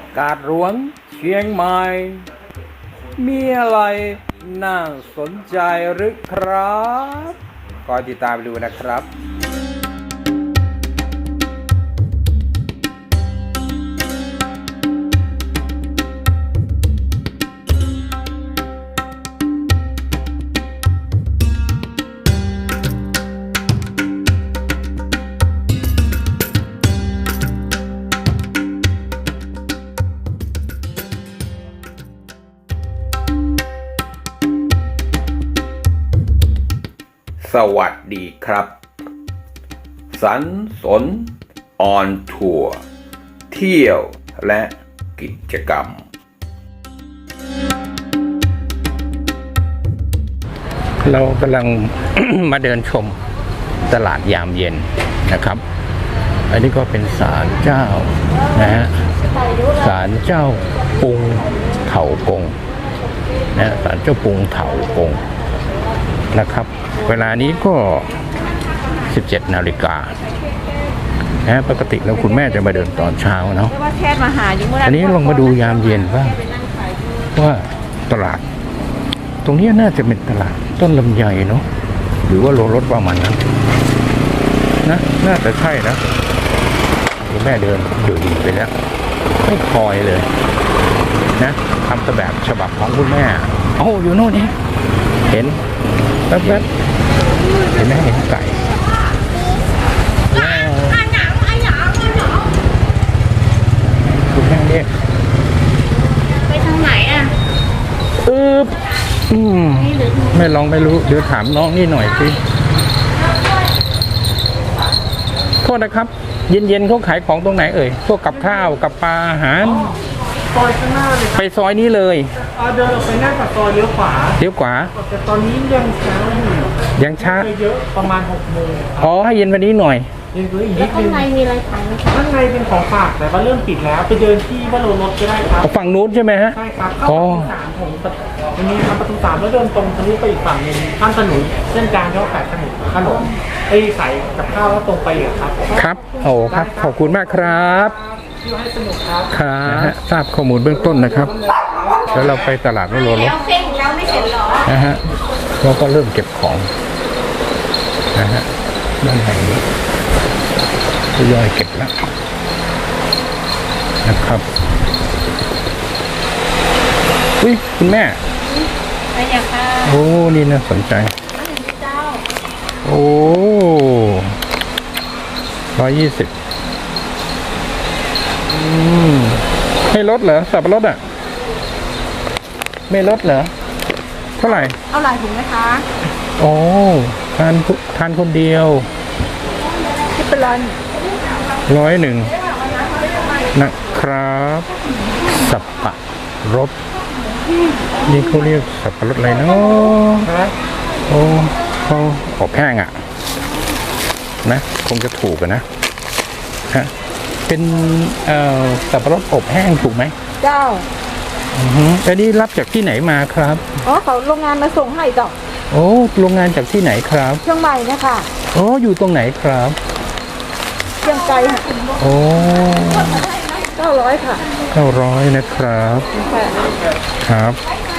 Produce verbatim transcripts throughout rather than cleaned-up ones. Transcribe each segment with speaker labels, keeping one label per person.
Speaker 1: กาดหลวงเชียงใหม่มีอะไรน่าสนใจหรือครับก็ติดตามดูนะครับ สวัสดีครับสันสนออนทัวร์เที่ยวและกิจกรรม
Speaker 2: เรากำลัง มาเดินชมตลาดยามเย็นนะครับอันนี้ก็เป็นศาลเจ้านะฮะศาลเจ้าปุงเถากงนะศาลเจ้าปุงเถากงนะครับเวลานี้ก็สิบเจ็ดนาฬิกานะปกติแล้วคุณแม่จะมาเดินตอนเช้าเนาะอันนี้ลองมาดูยามเย็นบ้างว่าตลาดตรงนี้น่าจะเป็นตลาดต้นลำไยเนาะหรือว่าโลรถประมาณนั้นนะน่าจะใช่นะคุณแม่เดินอยู่ดีไปแล้วไม่คอยเลยนะทำแบบฉบับของคุณแม่โอ้อยู่โน่นนี่เห็นแป๊บๆเห็นไหมเห็นไก่คุณแม่เรียก
Speaker 3: ไปทางไหนอ่ะ
Speaker 2: อึ๊บอืมไม่ลองไม่รู้เดี๋ยวถามน้องนี่หน่อยสิโทษนะครับเย็นๆเขาขายของตรงไหนเอ่ยพวกกับข้าวกับปลาอาหาร
Speaker 4: ซอยข้างหน้าเลย
Speaker 2: ไปซอยนี้เลย
Speaker 4: เดินออกไปหน้าปากซอยเลี้ยวขวา
Speaker 2: เลี้ยวขวา
Speaker 4: แต่ตอนนี้ยังช้าอยู่
Speaker 2: ยังช้า
Speaker 4: เยอะประมาณหกโมง
Speaker 2: อ๋อให้เย็นวันนี้หน่อย
Speaker 4: ยังเหลืออีกนิ
Speaker 3: แล้ว
Speaker 4: ด
Speaker 3: ข้า
Speaker 4: นึ
Speaker 3: ง
Speaker 4: ง
Speaker 3: ในมีอะไรขายไหมคะ
Speaker 4: ข้างในเป็นของฝากแต่ว่าเริ่มปิดแล้วไปเดินที่วัดโลรถก็ได้ครับ
Speaker 2: ฝั่งนู้นใช่ไหมฮะ
Speaker 4: ใช่ครับเข้าประตูสามผมวันนี้ครับประตูสามแล้วเดินตรงทะลุไปอีกฝั่งนึงข้ามถนนเส้นกลางเขาขายขนมขนมไอ้ใส่กับข้าวแล้วตรงไปเหรอครับ
Speaker 2: ครับโอ้ครับขอบคุณมากครับ
Speaker 4: ที่ให้สนุกครับ
Speaker 2: ครับทราบข้อมูลเบื้องต้นนะครับแล้วเราไปตลาดวัดโลรถ
Speaker 3: แล้วเส้นของเราไม่เสร็จหรอ
Speaker 2: นะฮะเราก็เริ่มเก็บของนะฮะด้านในนี้ทยอยเก็บแล้วนะครับอุ้ยคุณแม่
Speaker 3: ไปอย่างค่ะ
Speaker 2: โอ้นี่น่าสนใจโอ้ร้อยยี่สิบไม่ลดเหรอสับปะรดอ่ะไม่ลดเหรอเท่าไหร่
Speaker 3: เอาหลายถุงไหมคะ
Speaker 2: โอ้ทานทานคนเดียว
Speaker 3: ที่เป็นร้อย
Speaker 2: ร้อยหนึ่งนะครับสับปะรดนี่เขาเรียกสับปะรดอะไรเนาะโอ้เขาอบแห้งอ่ะนะคงจะถูกกันนะฮะเป็นเอ่อสับปะรดอบแห้งถูกไหม
Speaker 3: เจ้า
Speaker 2: อือฮึอันนี้รับจากที่ไหนมาครับ
Speaker 3: อ๋อเขาโรงงานมาส่งให้จ้ะ
Speaker 2: โอ้โรงงานจากที่ไหนครับ
Speaker 3: เชียงใหม่นะคะ
Speaker 2: โอ้อยู่ตรงไหนครับ
Speaker 3: เชียงไกลค่ะ
Speaker 2: โอ้
Speaker 3: เก้าร้อยค่ะ
Speaker 2: เก้าร้อยนะครับครับ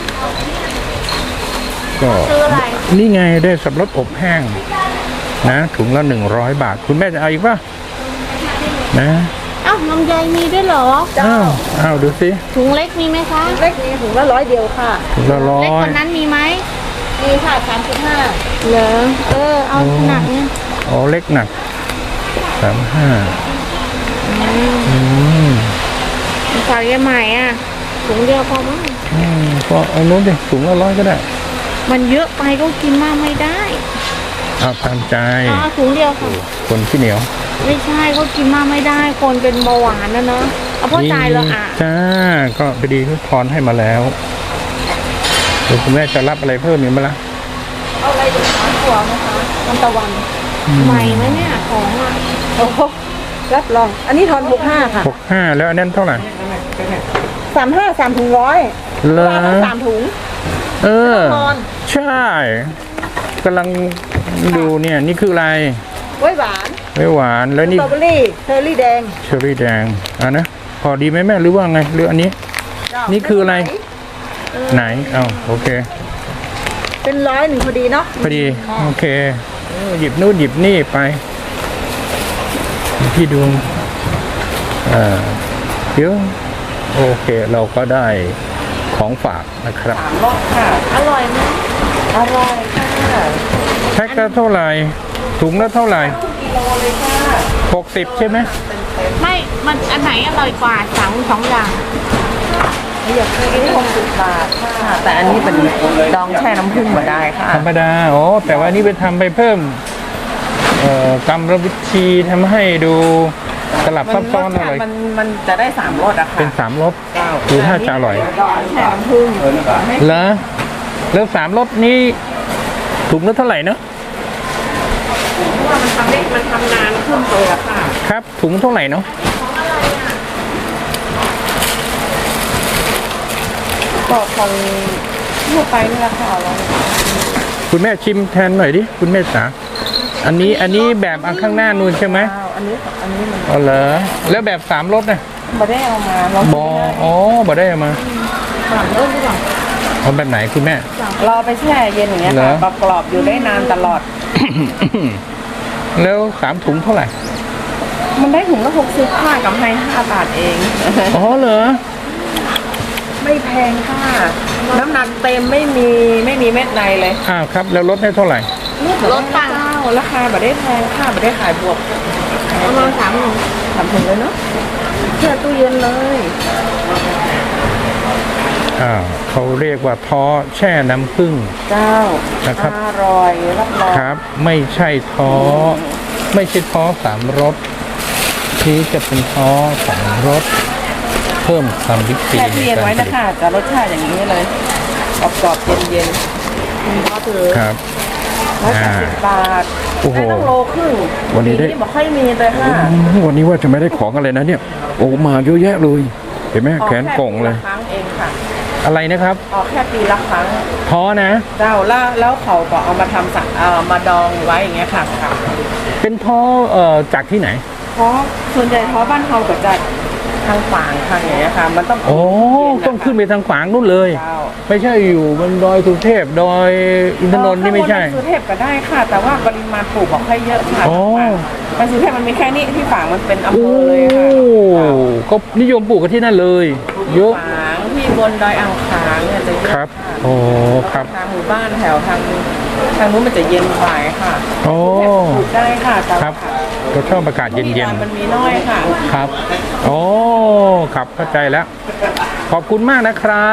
Speaker 2: ก็นี่ไงได้สับปะรดอบแห้งนะถุงละหนึ่งร้อยบาทคุณแม่จะเอาอีกป่ะนะ
Speaker 3: อ้าวลำไยมีด้วยเหรอ
Speaker 2: อ้าวอ้าวดูสิ
Speaker 3: ถุงเล็กมีไหมคะเล็กมีถุงละร้อยเดียวค่ะ
Speaker 2: ถุงละร้อย
Speaker 3: เล็กกว่านั้นมีไหมมีค่ะสามสิบห้าเหรอเออเอาหนักเนี่ย
Speaker 2: อ๋อเล็กหนักสามห้าอืม
Speaker 3: ฝากยังใหม่อ่ะถุงเดียวพอมั้ง
Speaker 2: อืมก็เอาโน้นดิถุงละร้อยก็ได้
Speaker 3: มันเยอะไปก็กินมากไม่ได้
Speaker 2: เอาตามใจ
Speaker 3: อ๋อถุงเดียวค่ะ
Speaker 2: คนขี้เหนียว
Speaker 3: ไม่ใช่เขากินมากไม่ได้คนเป็นเบาหวานนะเนาะเอาพ่อจ่ายแล้วอ่ะ
Speaker 2: จ้าก็พอดีทุกทอนให้มาแล้วเดี๋ยวคุณแม่จะรับอะไรเพิ่มอีกไหมล่ะ
Speaker 3: เอาอะไรดีคะถั่วไหมคะมันตะวันใหม่ไหมเนี่ยของอ่ะโอ้โหรับรองอันนี้ทอนหกห้าค่ะ
Speaker 2: หกห้าแล้วอันนั้นเท่าไหร่
Speaker 3: สามห้าสามถุงร้อย
Speaker 2: เลย
Speaker 3: สามถุง
Speaker 2: เออใช่กำลังดูเนี่ยนี่คืออะไร
Speaker 3: ไว้หวาน
Speaker 2: ไว้หวานแล้วนี่
Speaker 3: สตรอเบอรี่เชอร์รี่แดง
Speaker 2: เชอร์รี่แดงอ่ะนะพอดีไหมแม่หรือว่าไงหรืออันนี้ นี่คืออะไร ไหนเอาโอเค
Speaker 3: เป็นร้อยหนึ่งพอดีเนาะ
Speaker 2: พอดีโอเคเออหยิบนู่นหยิบนี่ไปพี่ดูเอ่อเดี๋ยวโอเคเราก็ได้ของฝากนะครับ
Speaker 3: สามรสค่ะ อร่อยไหมอร่อยค่ะ
Speaker 2: แพ็คละเท่าไหร่ถุงละเท่าไหร่
Speaker 3: กิโลเลยค่ะ
Speaker 2: หกสิบใช่ไหม
Speaker 5: ไม่ มันอันไหนอร่อยกว่าสั่งสองอย่าง
Speaker 3: อยากซื้ออันนี้หกสิบบาทค่ะ แต่อันนี้เป็นดองแช่น้ำผึ้งมาได้ค่ะ
Speaker 2: ธรรมดาอ๋อแต่ว่านี่ไปทำไปเพิ่มเอ่อกรรมวิธีทำให้ดูสลับซับซ้อนอะไร
Speaker 3: มันมันจะได้สามรสอะค่ะ
Speaker 2: เป็นสามรสดูถ้าจะอร่อย
Speaker 3: ดองแช่น้ำผึ้ง
Speaker 2: เหรอแล้วสามรสนี้ถุงละเท่าไหร่เนอะ
Speaker 3: เพราะว่ามันทำได้มันทำนานขึ้นเลยอะค่ะ
Speaker 2: ครับถุงเท่าไหร่เนาะ
Speaker 3: ก็คนทั่วไปนี่แหละค่ะเรา
Speaker 2: คุณแม่ชิมแทนหน่อยดิคุณแม่จ๋าอันนี้อันนี้แบบอันข้างหน้านู่นใช่ไหม
Speaker 3: อันนี้อันนี้มัน
Speaker 2: อ๋อเหรอแล้วแบบสามรสนะ
Speaker 3: ไม่ได้เอามาเรา
Speaker 2: บออ๋อบ่ได้เอามา
Speaker 3: สามรสดีกว่า
Speaker 2: เอาแบบไหนคุณแม่
Speaker 3: เราไปแช่เย็นอย่างเงี้ย
Speaker 2: เหร
Speaker 3: ค่ะ
Speaker 2: อ
Speaker 3: กรอบๆอยู่ได้นานตลอด
Speaker 2: แล้วสามถุงเท่าไหร่
Speaker 3: มันได้ถุงละหกสิบห้ากับให้ห้าบาทเอง
Speaker 2: อ๋อเหรอ
Speaker 3: ไม่แพงค่ะ น้ำหนักเต็มไม่มีไม่มีเม็ดในเลย
Speaker 2: อ้าวครับแล้วลดให้เท่าไหร่
Speaker 3: ลดตังค์ราคาแบบได้แพงค่ะแบบได้ขายบวกประมาณสามถุงสามถุงเลยเนาะแช่ตู้เย็นเลย
Speaker 2: อ่าวเขาเรียกว่าท้อแช่น้ำผึ้ง
Speaker 3: เจ้า
Speaker 2: นะครับ
Speaker 3: อร่อยรับรอง
Speaker 2: ครับ ไม่ใช่ท้อไม่ใช่ท้อสามรสที่จะเป็นท้อสองรสเพิ่มความวิธี
Speaker 3: แช่
Speaker 2: ใน
Speaker 3: ตู้เย็น
Speaker 2: การ
Speaker 3: ไว้
Speaker 2: ผ
Speaker 3: นะ
Speaker 2: ลิต
Speaker 3: คะจะรสชาติอย่างนี้เลยกรอบๆเย็นๆคุณพ่อถือ
Speaker 2: ครับ
Speaker 3: ร้อยแปดสิบบาท
Speaker 2: โอ้โห
Speaker 3: ได้ต้องโลครึ่ง
Speaker 2: วันนี้ได้
Speaker 3: ปีบอกค่อยมีเลยค่ะ
Speaker 2: วันนี้ว่าจะไม่ได้ของอะไรนะเนี่ย โอ้มาเยอะแยะเลย เห็นไหม
Speaker 3: ออก
Speaker 2: แขนกล่องเลย
Speaker 3: แค่ปีะครั้งเองค่ะ
Speaker 2: อะไรนะครับ
Speaker 3: ออกแค่ปีละครั้ง
Speaker 2: ท้อนะ
Speaker 3: เจ้าแล้วแล้วเขาก็เอามาทำสักเอ่อมาดองไว้อย่างเงี้ยค่ะ
Speaker 2: เป็นท้อเอ่อจากที่ไหน
Speaker 3: เพราะส่วนใหญ่เพราะบ้านเขาก็จะทางฝางทางอย่างเงี้ยค่ะ มันต้อง
Speaker 2: โอ้
Speaker 3: เย็ะคะ
Speaker 2: ต้องขึ้นไปทางขวางนู่นเลย
Speaker 3: เจ้า
Speaker 2: ไม่ใช่อยู่บนดอยสุเทพดอยอินทนนท์นี่ไม่ใช่
Speaker 3: ข้างบนในสุเทพก็ได้ค่ะ แต่ว่าปริมาณปลูกบอกค่อยเยอะค่ะ
Speaker 2: อ๋อ
Speaker 3: ในสุเทพมันมีแค่นี้ที่ฝางมันเป็นอำเภ
Speaker 2: โอ้
Speaker 3: อเลยค่ะ
Speaker 2: ก็นิยมปลูกกันที่นั่นเลย เยอะ
Speaker 3: ฝางที่บนดอยอ่างขางเนี่ยจะเยอะ
Speaker 2: ครับ
Speaker 3: ค่ะ
Speaker 2: โอ้ครับ
Speaker 3: ทางหมู่บ้านแถวทางทางนู้นมันจะเย็นกว่าค่ะ
Speaker 2: โอ้
Speaker 3: ปลูกได้ค่ะแต่
Speaker 2: ครับก็ชอบอากาศเย็น
Speaker 3: มันมีน้อยค่ะ
Speaker 2: ๆครับโอ้ครับเข้าใจแล้ว ขอบคุณมากนะครับ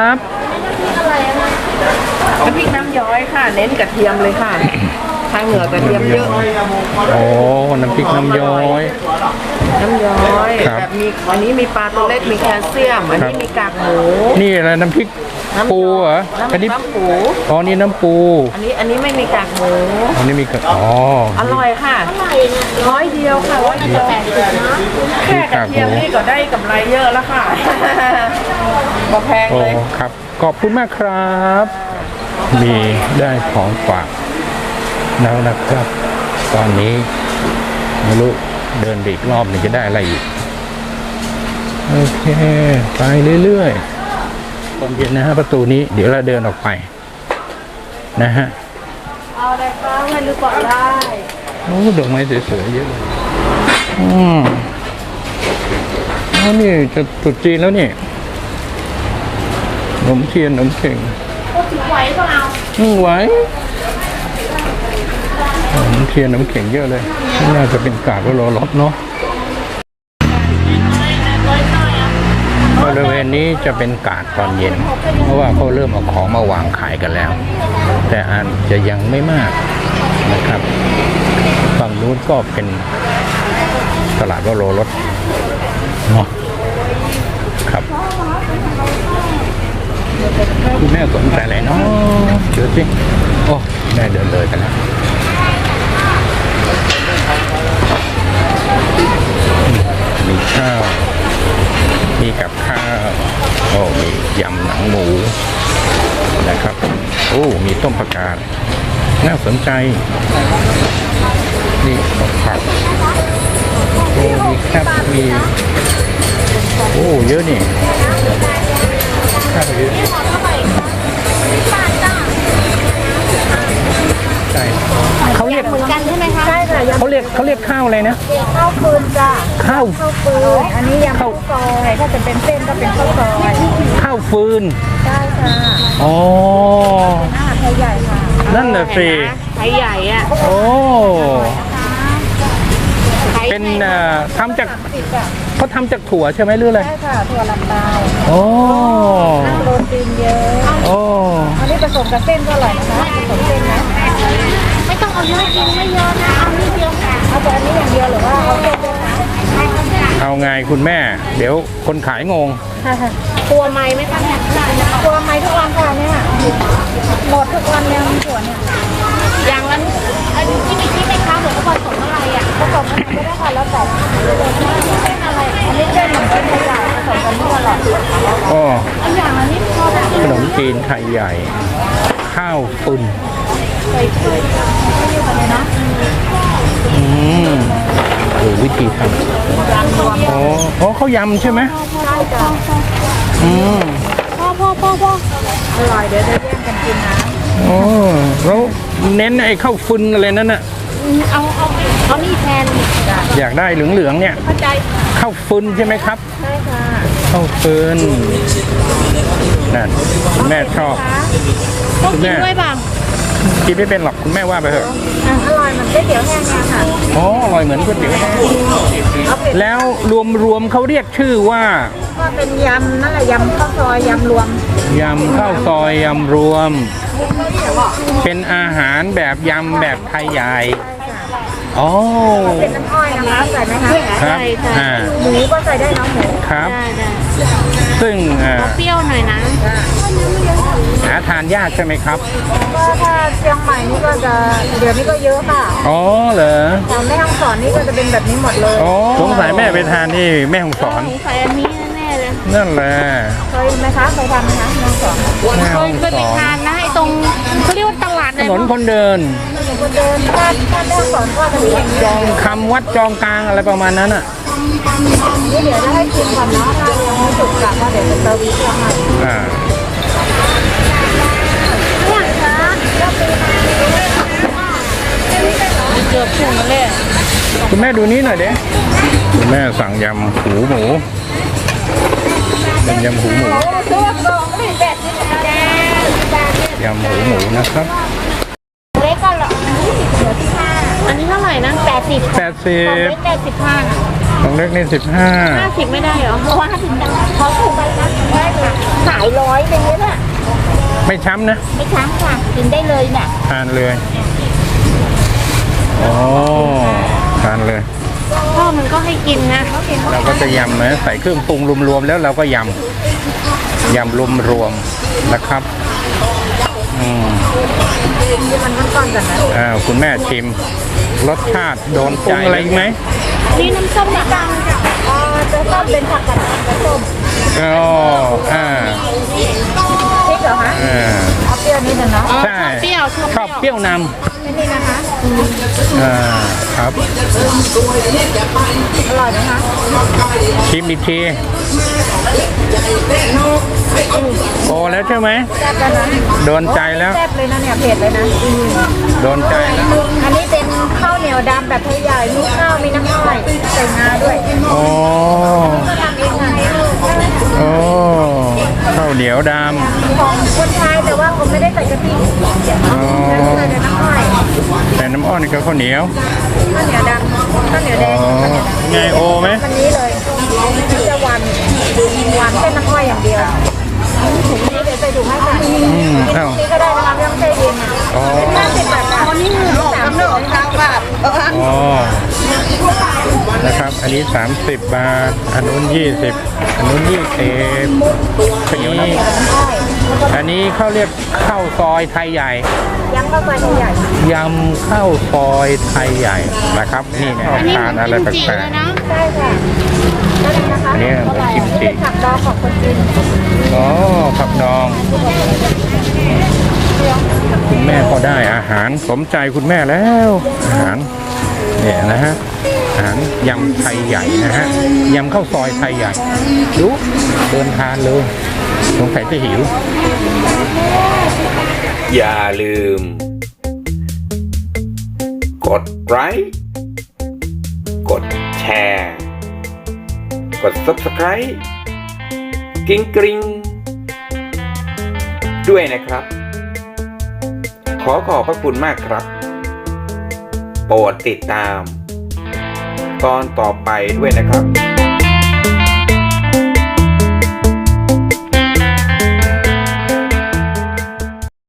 Speaker 3: น้ำพริกน้ำย้อยค่ะ เน้นกระเทียมเลยค่ะ ทางเหนือกระเทียมเยอะ
Speaker 2: โอ้น้ำพริกน้ำย้อย
Speaker 3: น้ำย้อย
Speaker 2: ครับ
Speaker 3: แบบมีอันนี้มีปลาตัวเล็กมีแคลเซียม อันนี้มีกากหมู
Speaker 2: นี่อะไรน้ำพริก
Speaker 3: น้ำ
Speaker 2: ปูเหรอ
Speaker 3: น้ำ
Speaker 2: อันนี้
Speaker 3: น้ำปู
Speaker 2: อ๋อนี่น้ำปู
Speaker 3: อันนี้อันนี้ไม่มีกากหมู
Speaker 2: อันนี้มีกระอ๋อ
Speaker 3: อร่อยค่ะร้อยเดียวค่ะร้อยเดียวแค่กระเทียมนี่ก็ได้กำไรเยอะแล้วค่ะ บ่แพง
Speaker 2: โอ้
Speaker 3: เลย
Speaker 2: ครับขอบคุณมากครับ มีได้ของฝากแล้วนะครับ ตอนนี้ไม่รู้เดินอีกรอบหนึงจะได้อะไรอีกโอเคไปเรื่อยๆตอนเย็นนะฮะประตูนี้เดี๋ยวเราเดินออกไปนะฮะ
Speaker 3: เอาอะไรก็ให้รู้ก่อนได้
Speaker 2: โอ้ดอกไม้สวยๆเยอะเลยอืมแล้วนี่จะตรุษจีนแล้วนี่ขนมเทียนขนมเข่ง
Speaker 5: ไหวเปล่า
Speaker 2: อืมไหวขนมเทียนขนมเข่งเยอะเลยน่าจะเป็นกาดว่ารอรถเนาะบริเวณนี้จะเป็นกาดตอนเย็น เพราะว่าเขาเริ่มเอาของมาวางขายกันแล้ว แต่อาจจะยังไม่มากนะครับฝั่งนู้นก็เป็นตลาดว่ารอรถเนาะครับคุณแม่สนใจอะไรเนาะเดี๋ยวสิโอ้แม่เดินเลยกันแล้วมีข้าว มีกับข้าวโอ้มียำหนังหมูนะครับโอ้มีต้มผักกาดน่าสนใจนี่ผักโอ้มีแคบมีโอ้เยอะนี่ข้าวเยอะใช่เขาเรียก
Speaker 5: เหมือนกันใช่ไหมคะ
Speaker 3: ใช่ค่ะยำ
Speaker 2: เขาเรียกเขาเรียกข้าวอะไรนะ
Speaker 3: ข้าวฟืนจ้ะ
Speaker 2: ข้าว
Speaker 3: ข้าวฟืนอันนี้ยำข้าวซอยถ้าจะเป็นเส้นก็เป็นข้าวซอย
Speaker 2: ข้าวฟืน
Speaker 3: ใช่ค่ะ
Speaker 2: อ๋อ
Speaker 3: อาหารไทยใหญ่ค่ะ
Speaker 2: นั่นน่ะสิ
Speaker 5: ไทยใหญ่อะ
Speaker 2: โอ้
Speaker 5: ไทย
Speaker 2: เป็นเอ่อทำจาก
Speaker 3: ติดอ่ะ
Speaker 2: เขาทำจากถั่วใช่ไหมหรืออะไร
Speaker 3: ใช่ค่ะถั่วลันเตา
Speaker 2: โอ้
Speaker 3: โปรตีนเยอะ
Speaker 2: โอ้
Speaker 3: อันนี้ผสมกับเส้นก็อร่อยนะคะผสมเส้นนะ
Speaker 5: ไม่ต้องเอาเยอะกินไม่เยอะนะ เอานิดเดียวค่ะ
Speaker 3: เอาแต่อันนี้อย่างเดียวหรือว่าเอาเส้นด้วยคะ
Speaker 2: เอาไงคุณแม่ เดี๋ยวคนขายงง
Speaker 5: กลัวไหมไหมคะเนี่ย
Speaker 3: ตัวไม้ทุกวันค่ะเนี่ยหมดทุกวันเนี่ยถั่วเนี่ย
Speaker 5: อย่างนั้นอันนี้ที่มีที่ไหมคะหรือว่าผสมอะไรอ่ะ
Speaker 3: ผสมกันก็ได้ค่ะแล้วแต่
Speaker 5: เส้นอะไร
Speaker 3: อันนี้เส้นเหมือนเส้นไทยใหญ่ผสมกันทั่วหลอด
Speaker 2: อ๋อ
Speaker 5: อันอย่างละนิดพอได้
Speaker 2: ขนมจีนไทยใหญ่ ข้าวปุ้น
Speaker 5: ใส่ถ้วย
Speaker 2: อืมโอ้วิธีทำอ๋ออ๋อเขายำใช่ไหม
Speaker 3: ใช่จ้ะ
Speaker 2: อืม
Speaker 5: พ่อพ่อพ่อพ่อ
Speaker 3: อร่อยเดี๋ยวจะแย่งกันกินนะ
Speaker 2: อ๋อแล้วเน้นไอ้ข้าวฟืนอะไรนั่นน่ะ
Speaker 5: เอาเอาเอานี่แทน
Speaker 2: อยากได้เหลืองๆเนี่ย
Speaker 5: เข้าใจ
Speaker 2: ข้าวฟืนใช่ไหมครับ
Speaker 3: ใช่ค่ะ
Speaker 2: ข้าวฟืนนั่นคุณแม่ชอบ
Speaker 5: ต้องกินด้วยป่ะ
Speaker 2: กินไม่เป็นหรอกคุณแม่ว่าไปเถอะ
Speaker 3: อ่ะอร่อยเหมือนก๋วยเตี๋ยวแห้งเนี่ยค่ะ
Speaker 2: อ๋ออร่อยเหมือนก๋วยเตี๋ยวแห้ง
Speaker 3: เอาเป็ด
Speaker 2: แล้วรวมๆเขาเรียกชื่อว่า
Speaker 3: ก็เป็นยำนั่นแหละยำข้าวซอยยำรวม
Speaker 2: ยำข้าวซอยยำรวม เป็นอาหารแบบยำแบบไทยใหญ่อ๋อ
Speaker 3: เป็นน้ำอ้อยนะคะใส่ไหมคะ
Speaker 2: ครับอ่า
Speaker 3: หมูก็ใส่ได้เน้องหมู
Speaker 2: ครับ
Speaker 5: ได้ได้
Speaker 2: ซึ่งอ่า
Speaker 5: เปรี้ยวหน่อยนะ
Speaker 2: หาทานยากใช่ไหมครับ
Speaker 3: ก็ถ้าเชียงใหม่นี่ก็จะเดี๋ยวนี้ก็เยอะค่ะ
Speaker 2: อ๋อเหรอ
Speaker 3: แต่แม่ฮ่องสอนนี่ก็จะเป็นแบบนี้หมดเลย
Speaker 2: อ๋อสงสัยแม่ไปทานที่แม่ฮ่องสอน
Speaker 5: สงสัยอันนี้แน่ๆเลย
Speaker 2: นั่นแหละ
Speaker 3: เคยไหมคะเคยทำไหมคะแม่ฮ่องสอน
Speaker 2: แม่
Speaker 5: เค
Speaker 2: ฮ่อย ง
Speaker 5: เคย
Speaker 2: ส
Speaker 5: ไป
Speaker 2: อน
Speaker 5: ทานนะไอ้ตรงเขาเรียกว่าตลาด
Speaker 2: ถ
Speaker 5: เลย
Speaker 2: นนคนเดิน
Speaker 3: คนเดินถ้าถ้าแม่ฮ่องสอนก็จะมีอย่าง
Speaker 2: จ
Speaker 3: เดียว
Speaker 2: องคำวัดจองกลางอะไรประมาณนั้นอ่ะ
Speaker 3: นี่เดี๋ยวจะให้ชิมก่อนเนาะถ้ายังไม่สุกค่ะก็เดี๋ยวจะเติมอีกค่ะ
Speaker 2: อ่า
Speaker 5: เกือบถึงแล้วเลย
Speaker 2: คุณแม่ดูนี้หน่อยเด้คุณแม่สั่งยำหูหมูเป็นยำหูหมู ยำหูหมูนะครับ
Speaker 5: เล็กก็เหรออันนี้เท่าไหร่นะแปดสิบ
Speaker 2: แปดสิ
Speaker 5: เล็
Speaker 2: บ
Speaker 5: กแปดสิบห้า
Speaker 2: ของเล็กนี่สิบห้า
Speaker 5: ห้าสิบไม่ได้เหรอเพราะว่าห้าสิบเขาถูกไปนะได้ค่ะขายร้อยเป็นเงี้ยน่ะ
Speaker 2: ไม่ช้ำนะ
Speaker 5: ไม่ช้ำค่ะกินได้เลยเนี่ย
Speaker 2: ทานเลยโอ้ทานเลย
Speaker 5: พ่อมันก็ให้กินนะ
Speaker 2: เราก็จะยำนะใส่เครื่องปรุงรวมๆแล้วเราก็ยำยำรวมๆนะครับอืม
Speaker 3: มันมันก่อนกันนะ
Speaker 2: อ้าวคุณแม่ชิม รสชาติโดนใจอะไรอีกไหม
Speaker 5: นี่น้ำส้มนี่ตัง
Speaker 3: อ่าจะต้มเป็นผักกาดขาวกับส้ม
Speaker 2: อ๋ออ่า
Speaker 3: พริกเหรอคะ
Speaker 2: อ่า
Speaker 3: เอาเปรี้ยวนิดนึงเนาะ
Speaker 2: ใช่
Speaker 5: เปรี้ยว
Speaker 2: ชอบเปรี้ยวน
Speaker 3: ไม่นี่นะคะ
Speaker 2: ำอ่าครับ
Speaker 3: อร่อยไหมคะ
Speaker 2: ชิมอีกทีโอ้แล้วใช่ไหม
Speaker 3: แซ่บแล้วนะ
Speaker 2: โดนใจแล้ว
Speaker 3: แซ่บเลยนะเนี่ยเผ็ดเลยนะ
Speaker 2: โดนใจแล้ว
Speaker 3: อันนี้เป็นข้าวเหนียวดำแบบไทยใหญ่มีข้าวมีน้ำอ้อยใส่งาด้วย
Speaker 2: โอ้
Speaker 3: ก็ทำเองค่ะ
Speaker 2: โอ้ข้าวเหนียวด
Speaker 3: ของคนไทยแต่ว่าผมไม่ได้ใส่กะทิ
Speaker 2: ำอ๋อ
Speaker 3: ใส่แต่น้ำอ้อย
Speaker 2: แต่น้ำอ้อนกับข้าวเหนียว
Speaker 3: ข้าวเหนียวดำข้าวเหนียวแด
Speaker 2: อ๋อง ไงโอไหม
Speaker 3: วันนี้เลยมันจะหวานหวานแค่น้ำอ้อยอย่างเดียวถุงนี้เดี๋ยวใส่ถุงให้ค่ะ
Speaker 2: อืมอ้าว
Speaker 3: นี่ก็ได้นะคะไม่ต้องใช้เองค่ะ
Speaker 2: อ๋อ
Speaker 3: เป็นห้าสิบบาทค่ะนี่คือสามสิบสามบาท
Speaker 2: อ๋อนะครับ อันนี้ สามสิบบาท อันนู้นยี่สิบอันนู้นยี่สิบอันนี้อันนี้เขาเรียกข้าวซอยไทยใหญ่
Speaker 3: ยังเข้าไปใหญ่
Speaker 2: ยำข้าวซอยไทยใหญ่นะครับ นี่นะ
Speaker 5: อันนี้
Speaker 2: ทานอะไร
Speaker 5: มัน
Speaker 2: แป
Speaker 5: กิมจิ
Speaker 2: ล
Speaker 5: เล
Speaker 2: ก
Speaker 5: ยนะ
Speaker 3: ใช่ค่ะได้เลยนะคะ
Speaker 2: อันนี้เหมือนกิมจิ
Speaker 3: เป็นผักดองของคนจีน
Speaker 2: ๆอ๋อผักดองคุณแม่ก็ได้อาหารสมใจคุณแม่แล้วอาหารเนี่ยนะฮะอาหารยำไทยใหญ่นะฮะยำข้าวซอยไทยใหญ่ดูเดินทานเลยสงสัยจะหิว
Speaker 1: อย่าลืม กดไลค์กดแชร์กด ซับสไครบ์ กริ๊งกริ๊งด้วยนะครับ ขอขอบพระคุณมากครับ โปรดติดตาม ตอนต่อไปด้วยนะครับ